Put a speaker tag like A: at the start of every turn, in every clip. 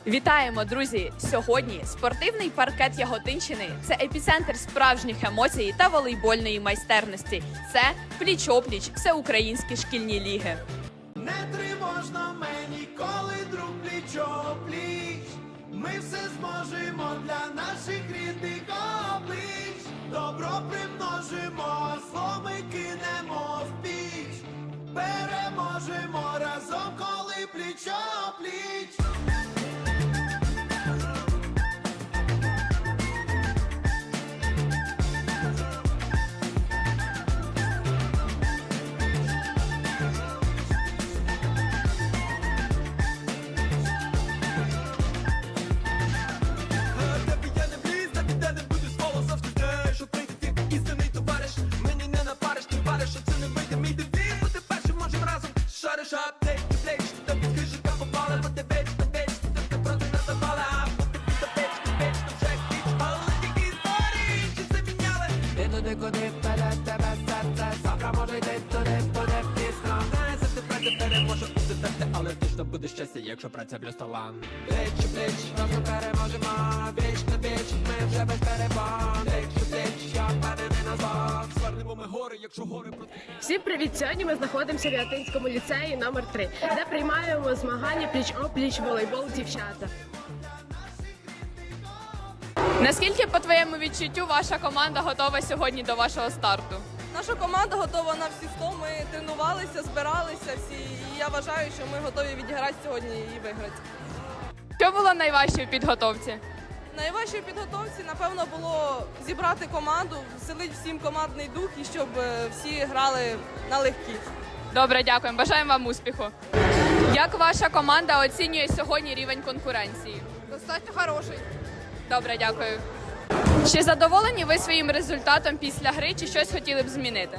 A: Вітаємо, друзі! Сьогодні спортивний паркет Яготинщини – це епіцентр справжніх емоцій та волейбольної майстерності. Це пліч-опліч всеукраїнські шкільні ліги.
B: Не тривожно мені, коли друг пліч-опліч. Ми все зможемо для наших рідних облич. Добро примножимо, зло ми кинемо в піч. Переможемо разом, коли пліч-опліч.
C: Але точно буде щастя, якщо праця плюс талант. Плеч у плеч, разом переможемо. Віч на віч, ми вже без перебан. Плеч у плеч, я впевнений на зло. Звернемо ми гори, якщо гори проти.
D: Всім привіт! Сьогодні ми знаходимося в Яготинському ліцеї номер 3, де приймаємо змагання пліч-опліч волейбол дівчата.
A: Наскільки, по твоєму відчуттю, ваша команда готова сьогодні до вашого старту?
E: Наша команда готова на всі 100, ми тренувалися, збиралися всі, і я вважаю, що ми готові відіграти сьогодні і виграти.
A: Що було найважче в підготовці?
E: Найважче в підготовці, напевно, було зібрати команду, вселити всім командний дух і щоб всі грали налегкі.
A: Добре, дякуємо. Бажаємо вам успіху. Як ваша команда оцінює сьогодні рівень конкуренції?
E: Достатньо хороший.
A: Добре, дякую. Чи задоволені ви своїм результатом після гри, чи щось хотіли б змінити?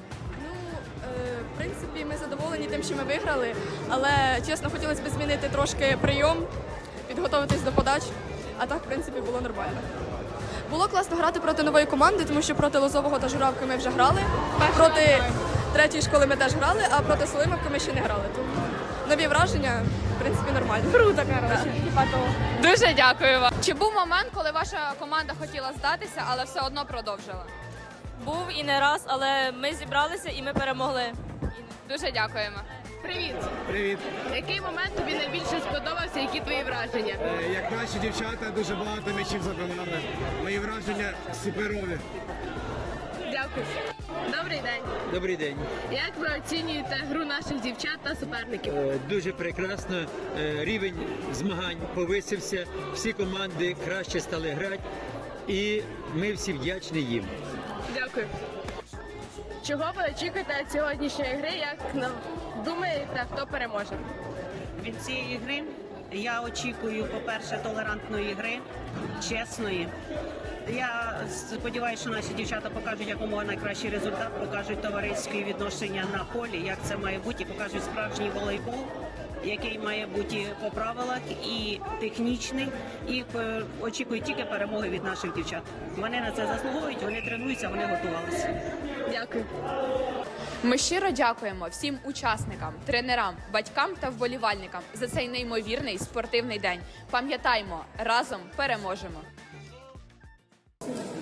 F: В принципі, ми задоволені тим, що ми виграли, але, чесно, хотілося б змінити трошки прийом, підготуватись до подач, а так, в принципі, було нормально. Було класно грати проти нової команди, тому що проти Лозового та Журавки ми вже грали, проти третьої школи ми теж грали, а проти Солимовки ми ще не грали. Тому нові враження, в принципі, нормально. Круто, коротше.
A: Дуже дякую вам. Чи був момент, коли ваша команда хотіла здатися, але все одно продовжила?
G: Був і не раз, але ми зібралися і ми перемогли.
A: Дуже дякуємо.
D: Привіт!
H: Привіт!
D: Який момент тобі найбільше сподобався? Які твої враження?
H: Як наші дівчата дуже багато м'ячів забивали. Мої враження суперові.
D: Дякую. Добрий день.
I: Добрий день.
D: Як ви оцінюєте гру наших дівчат та суперників?
I: Дуже прекрасно. Рівень змагань повисився. Всі команди краще стали грати. І ми всі вдячні їм.
D: Дякую. Чого ви очікуєте від сьогоднішньої гри? Як думаєте, хто переможе?
J: Від цієї гри я очікую, по-перше, толерантної гри, чесної. Я сподіваюся, що наші дівчата покажуть якомога найкращий результат, покажуть товариські відношення на полі, як це має бути, і покажуть справжній волейбол, який має бути по правилах і технічний, і очікую тільки перемоги від наших дівчат. Вони на це заслуговують, вони тренуються, вони готувалися.
D: Дякую.
A: Ми щиро дякуємо всім учасникам, тренерам, батькам та вболівальникам за цей неймовірний спортивний день. Пам'ятаймо, разом переможемо!